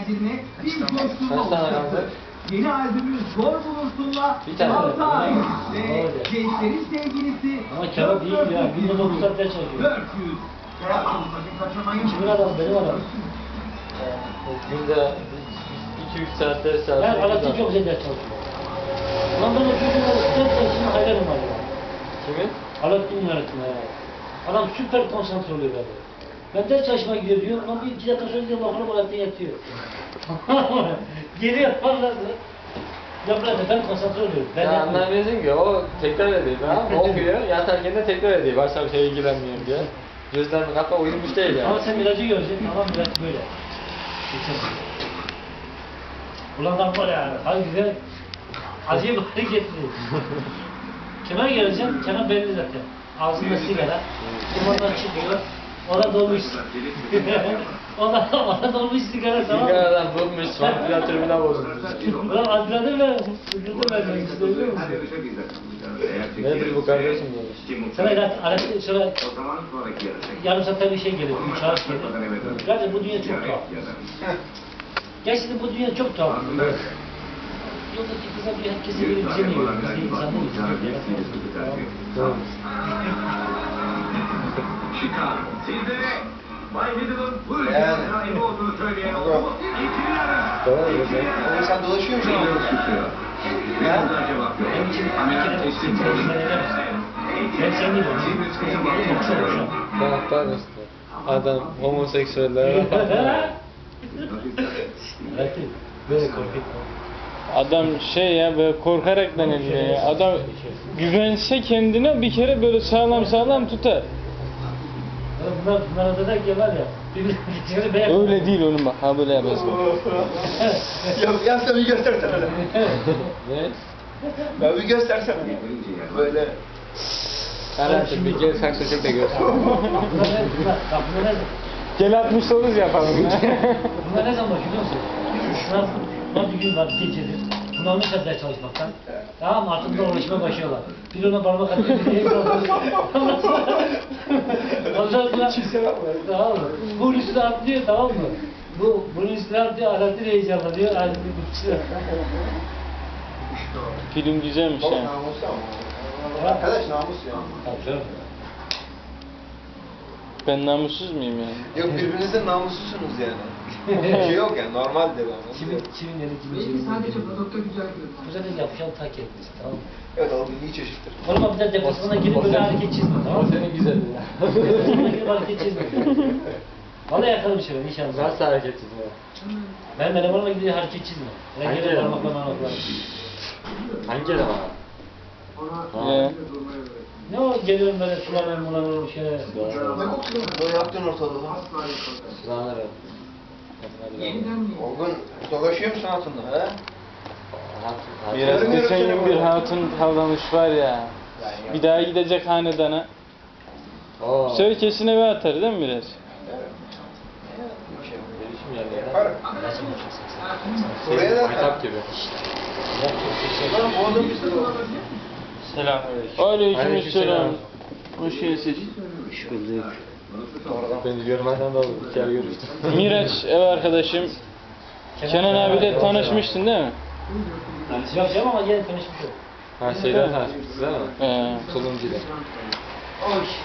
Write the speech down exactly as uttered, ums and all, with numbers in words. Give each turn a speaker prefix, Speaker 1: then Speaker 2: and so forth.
Speaker 1: kendine bir coşkulu
Speaker 2: Kaç tane
Speaker 1: olacaktır.
Speaker 2: kaldı?
Speaker 1: Yeni albümü Zor Bulursun'la
Speaker 2: Bir tane.
Speaker 1: Altay ve
Speaker 3: Öyle.
Speaker 1: gençlerin sevgilisi
Speaker 3: Ama kebap iyi ya. Günde dokuz saat ders çalışıyor.
Speaker 1: dört yüz. Hayatım sakın kaçırmayın.
Speaker 3: Kimin adamı? Benim adamım.
Speaker 2: Günde iki üç saat ders
Speaker 3: Ben
Speaker 2: çalışıyor.
Speaker 3: Alaaddin çok güzel ders çalışıyor. Ulan ben o çocuğun ders şimdi hayranım var ya.
Speaker 2: Kimin?
Speaker 3: Alaaddin öğretmen ya. Adam süper konsantre oluyor böyle. Ben ders çalışmaya gidiyor diyor. Ulan bir iki dakika sonra diyor bakalım Alaaddin yatıyor. Geliyor anladı. Ya bırak ben konsantre oluyorum. Ben
Speaker 2: Ya
Speaker 3: yapmıyorum.
Speaker 2: anlamıyorsun ki o tekrar ediyor tamam mı? Okuyor yatarken de tekrar ediyor. Başka bir şeye ilgilenmiyorum diye. Gözlerini kapa uyumuş değil yani.
Speaker 3: Ama sen Miraç'ı göreceksin. Ama Miraç böyle. Geçen. Ulan adam var ya. Harbiden acayip hareketli. Kemal geleceksin. Kemal belli zaten. Ağzında sigara. Limondan çıkıyor. Ona dolmuş. ona, ona dolmuş sigara tamam mı?
Speaker 2: Sigaradan bulmuş, vantilatörüne bozulmuş.
Speaker 3: Ulan adrenalin ver. Sıkıntı vermek istiyor musun?
Speaker 2: Nedir bu kardeşim demiş.
Speaker 3: Sana ilaç, araç, şöyle yarım saatte bir şey geliyor, üç ağaç geliyor. Gerçekten bu dünya çok tuhaf. Gerçekten bu dünya çok tuhaf. Yoldaki kıza bir herkese gelip bize ne yiyor? Biz de insanlar
Speaker 1: Chicago. Sizlere Bay Little'ın bu ülkenin
Speaker 4: Yani.
Speaker 1: sahibi olduğunu söyleyen oldu. İtiraz.
Speaker 2: Tamam mı sen?
Speaker 4: Oğlum sen dolaşıyor musun abi?
Speaker 1: Ne kadar cevap yok.
Speaker 3: Benim için
Speaker 1: Ameliyat
Speaker 3: bir kere
Speaker 1: teslim
Speaker 3: kimse
Speaker 1: oldu.
Speaker 3: izin edemez. Ben seni değil, çok çok hoşum.
Speaker 2: Bak işte. Adam homoseksüeller.
Speaker 3: Evet, böyle korkutma.
Speaker 5: Adam şey ya böyle korkarak deniliyor ya. Adam güvense kendine bir kere böyle sağlam sağlam tutar.
Speaker 3: Bunlar, bunlar da der ki var ya, birbirine beğen.
Speaker 5: Öyle değil oğlum bak. Ha böyle yaparsın.
Speaker 4: Ya, ya sen bir göstersene öyle.
Speaker 2: Ne?
Speaker 4: Ya bir göstersene. Böyle.
Speaker 2: Herhalde bir gel saksı çek de görsün.
Speaker 3: Bunlar ne, bunlar, bak bunlar ne,
Speaker 5: Gel altmış dokuz yapalım.
Speaker 3: bunlar ne zaman biliyor musun? Bunlar, bunlar bir gün var, gecedir. Bunlar almışlar ders çalışmaktan. Tamam mı? Artık bunlar uğraşmaya başlıyorlar. Bir ona parmak atıyor, bir diye Ondan sonra... Ondan sonra... Tamam mı? Bunun üstüne atlıyor, tamam mı? Bu, bunun üstüne atlıyor, Alaaddin heyecanlanıyor, Alaaddin bıkışıyor.
Speaker 5: Film güzelmiş
Speaker 4: Baba
Speaker 5: ya.
Speaker 4: namus ama. Arkadaş namus ya.
Speaker 3: Tabii canım.
Speaker 5: Ben namussuz muyum yani?
Speaker 4: Yok birbirinizin namuslusunuz yani. Bir şey yok yani normaldir ama.
Speaker 3: Kimin, kimin yeri, kimin yeri.
Speaker 1: Sadece produkta güzel
Speaker 3: Bu sefer yapacağım tak etmesi, tamam mı?
Speaker 4: Evet o milli çeşittir.
Speaker 3: Oğlum bir de deplasmana girip böyle hareket çizme, tamam
Speaker 2: O
Speaker 3: mı?
Speaker 2: senin güzelliğin ya.
Speaker 3: Deplasmana girip hareket çizme. Vallahi yakarım şey ben inşallah.
Speaker 2: Nasıl hareket çizme?
Speaker 3: Ben elemanıma gidiyor hareket çizme. Ben
Speaker 2: Hangi
Speaker 3: gene
Speaker 2: eleman?
Speaker 3: parmakla parmakla.
Speaker 2: Hangi eleman?
Speaker 5: Ee,
Speaker 3: Ne o geliyorum böyle sulanır mulanır şey.
Speaker 4: Ne kokuyor? Ne yaptın ortalığı?
Speaker 2: Sıranırım.
Speaker 4: Olgun dolaşıyor musun altında he?
Speaker 5: biraz geçen gün bir hatun tavlamış var ya. Bir daha gidecek hanedana.
Speaker 2: Oo.
Speaker 5: Bu sefer kesin eve atar değil mi biraz?
Speaker 2: Gelişim yerleri.
Speaker 4: Yaparım. Buraya da
Speaker 2: Kitap gibi.
Speaker 4: Lan bu adam işte o.
Speaker 5: Selam.
Speaker 2: Aleykümselam.
Speaker 5: Aleykümselam. Hoş geldiniz.
Speaker 2: Beni görmeden de oldu. Bir kere görüştüm.
Speaker 5: Miraç ev arkadaşım. Kenan abiyle tanışmıştın değil mi?
Speaker 3: Yok canım ama yine tanışmış yok.
Speaker 2: Ha şeyden tanışmışsınız değil mi?
Speaker 5: Ee,
Speaker 2: Tulumcu'da.